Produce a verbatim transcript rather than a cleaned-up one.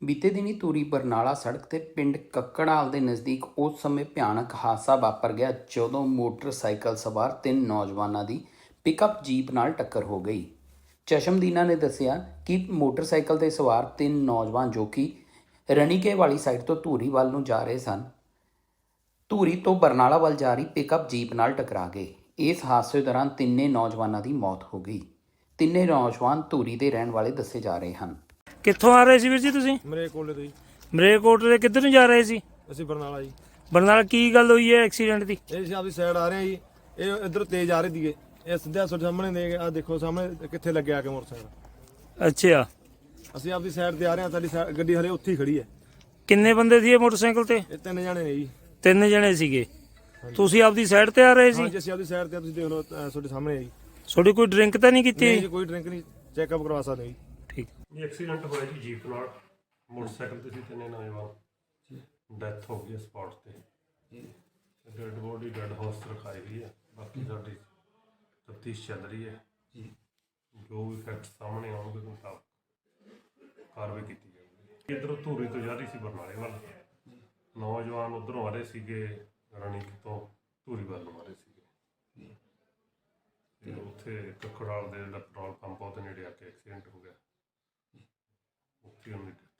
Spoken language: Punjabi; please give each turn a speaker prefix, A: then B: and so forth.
A: ਬੀਤੇ ਦਿਨੀ ਧੂਰੀ ਬਰਨਾਲਾ ਸੜਕ ਤੇ ਪਿੰਡ ਕੱਕੜਾਲ ਦੇ ਨਜ਼ਦੀਕ ਉਸ ਸਮੇਂ ਭਿਆਨਕ ਹਾਦਸਾ ਵਾਪਰ ਗਿਆ ਜਦੋਂ ਮੋਟਰਸਾਈਕਲ ਸਵਾਰ ਤਿੰਨ ਨੌਜਵਾਨਾਂ ਦੀ ਪਿਕਅਪ ਜੀਪ ਨਾਲ ਟੱਕਰ ਹੋ ਗਈ। ਚਸ਼ਮਦੀਨਾ ਨੇ ਦੱਸਿਆ ਕਿ ਮੋਟਰਸਾਈਕਲ ਤੇ ਸਵਾਰ ਤਿੰਨ ਨੌਜਵਾਨ ਜੋ ਕਿ ਰਣੀਕੇ ਵਾਲੀ ਸਾਈਡ ਤੋਂ ਧੂਰੀ ਵੱਲ ਨੂੰ ਜਾ ਰਹੇ ਸਨ, ਧੂਰੀ ਤੋਂ ਬਰਨਾਲਾ ਵੱਲ ਜਾ ਰਹੀ ਪਿਕਅਪ ਜੀਪ ਨਾਲ ਟਕਰਾ ਗਏ। ਇਸ ਹਾਦਸੇ ਦੌਰਾਨ ਤਿੰਨੇ ਨੌਜਵਾਨਾਂ ਦੀ ਮੌਤ ਹੋ ਗਈ। ਤਿੰਨੇ ਨੌਜਵਾਨ ਧੂਰੀ ਦੇ ਰਹਿਣ ਵਾਲੇ ਦੱਸੇ ਜਾ ਰਹੇ ਹਨ।
B: ਕਿੱਥੋਂ ਆ ਰਹੇ ਸੀ ਵੀਰ ਜੀ ਤੁਸੀਂ?
C: ਮਰੇਕੋਟਲੇ ਤੋਂ ਜੀ।
B: ਮਰੇਕੋਟਲੇ ਕਿੱਧਰ ਨੂੰ ਜਾ ਰਹੇ ਸੀ?
C: ਅਸੀਂ ਬਰਨਾਲਾ ਜੀ।
B: ਬਰਨਾਲਾ ਕੀ ਗੱਲ ਹੋਈ ਹੈ ਐਕਸੀਡੈਂਟ ਦੀ?
C: ਇਹ ਅਸੀਂ ਆਪਦੀ ਸਾਈਡ ਆ ਰਹੇ ਹਾਂ ਜੀ, ਇਹ ਇੱਧਰ ਤੇਜ਼ ਆ ਰਹੀ ਦੀਏ, ਇਹ ਸਿੱਧਾ ਤੁਹਾਡੇ ਸਾਹਮਣੇ ਦੇ ਆ ਦੇਖੋ ਸਾਹਮਣੇ ਕਿੱਥੇ ਲੱਗਿਆ ਆ ਕੇ ਮੋਟਰਸਾਈਕਲ।
B: ਅੱਛਾ,
C: ਅਸੀਂ ਆਪਦੀ ਸਾਈਡ ਤੇ ਆ ਰਹੇ ਹਾਂ, ਸਾਡੀ side- ਗੱਡੀ ਹਲੇ ਉੱਥੇ ਹੀ ਖੜੀ ਹੈ।
B: ਕਿੰਨੇ ਬੰਦੇ ਸੀ ਇਹ ਮੋਟਰਸਾਈਕਲ ਤੇ?
C: ਇਹ ਤਿੰਨ ਜਣੇ ਨੇ ਜੀ।
B: ਤਿੰਨ ਜਣੇ ਸੀਗੇ। ਤੁਸੀਂ ਆਪਦੀ ਸਾਈਡ ਤੇ ਆ ਰਹੇ ਸੀ?
C: ਹਾਂਜੀ, ਅਸੀਂ ਆਪਦੀ ਸਾਈਡ ਤੇ ਆ, ਤੁਸੀਂ ਦੇਖ ਲਓ ਅਹ ਤੁਹਾਡੇ ਸਾਹਮਣੇ ਹੈ ਜੀ।
B: ਤੁਹਾਡੀ ਕੋਈ ਡਰਿੰਕ ਤਾਂ ਨਹੀਂ ਕੀਤੀ?
C: ਨਹੀਂ ਜੀ, ਕੋਈ ਡਰਿੰਕ ਨਹੀਂ, ਚੈੱਕਅਪ ਕਰਵਾ ਸਕਦੇ ਜੀ।
B: ਠੀਕ।
D: ਇਹ ਐਕਸੀਡੈਂਟ ਹੋਇਆ ਜੀ ਜੀਪ ਨਾਲ, ਮੋਟਰਸਾਈਕਲ ਤੇ ਸੀ ਤਿੰਨੇ ਨੌਜਵਾਨ, ਡੈਥ ਹੋ ਗਈ ਸਪੌਟ ਤੇ ਜੀ। ਡੈਡ ਬੋਡੀ ਡੈਡ ਹਾਊਸ ਰਖਾਈ ਗਈ ਹੈ, ਬਾਕੀ ਸਾਡੀ ਤਫਤੀਸ਼ ਚੱਲ ਰਹੀ ਹੈ ਜੀ। ਜੋ ਵੀ ਫੈਕਟ ਸਾਹਮਣੇ ਆਉਣਗੇ ਉਹਦੇ ਮੁਤਾਬਕ ਕਾਰਵਾਈ ਕੀਤੀ ਜਾਊਗੀ। ਇੱਧਰੋਂ ਧੂਰੀ ਤੋਂ ਜਾ ਰਹੀ ਸੀ ਬਰਨਾਲੇ ਵੱਲ, ਨੌਜਵਾਨ ਉੱਧਰੋਂ ਆ ਰਹੇ ਸੀਗੇ ਰਣੀਕ ਤੋਂ ਧੂਰੀ ਵੱਲ ਨੂੰ ਆ ਰਹੇ ਸੀਗੇ ਤੇ ਉੱਥੇ ਕੱਕੜਾਲ ਦੇ ਜਿਹੜਾ ਪੈਟਰੋਲ ਪੰਪ ਉਹਦੇ ਨੇੜੇ ਆ ਕੇ ਐਕਸੀਡੈਂਟ ਹੋ ਗਿਆ। ਉੱਥੇ ਉਹਨੇ